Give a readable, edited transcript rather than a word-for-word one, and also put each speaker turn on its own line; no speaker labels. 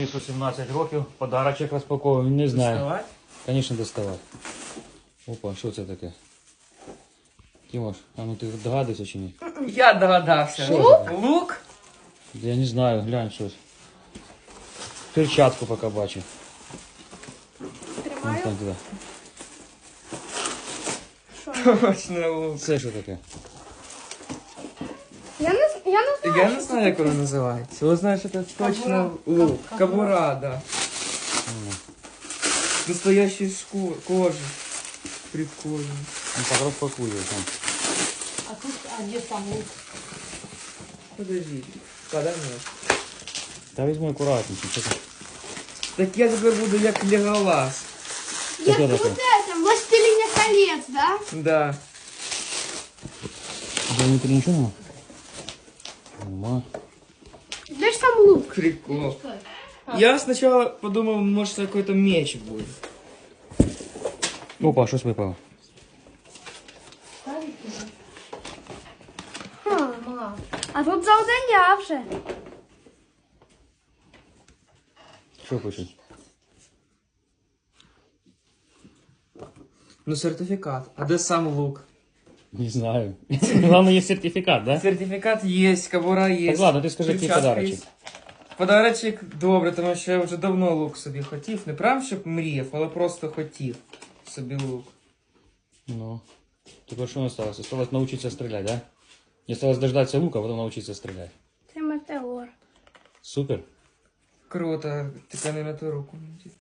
18 років, подарочок розпаковую, не знаю.
Доставать?
Звісно, доставати. Опа, що це таке? Тимош, а ну ти догадуєшся чи ні?
Я догадався.
Що
Лук?
це?
Лук?
Я не знаю, глянь щось. Перчатку поки бачу.
Тримаю.
Там туди.
Точно лук.
Це що таке?
Я не знаю.
Я не знаю, як воно називається. Ви знаєте, це точно лук. Кабура, да. Настоящий кожи. Прикольно.
Ну, так розпакує там.
А тут, где сам лук?
Подожди. Куда мне?
Та візьми акуратніше. Що це?
Так я тепер буду як Леголас.
Це
Я
що
тут
таке?
это, Властелине колец, да?
Да.
Де внутрі нічого нема? Нема.
Где ж там лук?
Прикол. Я сначала подумал, может, это какой-то меч будет.
Опа, щось випало.
Ха. А тут завдання вже.
Що пишуть?
Ну, сертификат. А де сам лук?
Не знаю. Главное, є сертифікат, да?
Сертифікат є, кобура є.
Так ладно, ти скажи, який
перчатка
подарочок.
є. Подарочок добре, тому що я вже давно лук собі хотів. Не прям, щоб мріяв, але просто хотів собі лук.
Ну. Тепер що осталось? Осталось научиться стрелять, да? Не осталось дождаться лука, а потом научиться стрелять.
Це метеор.
Супер.
Круто, тільки не на ту руку.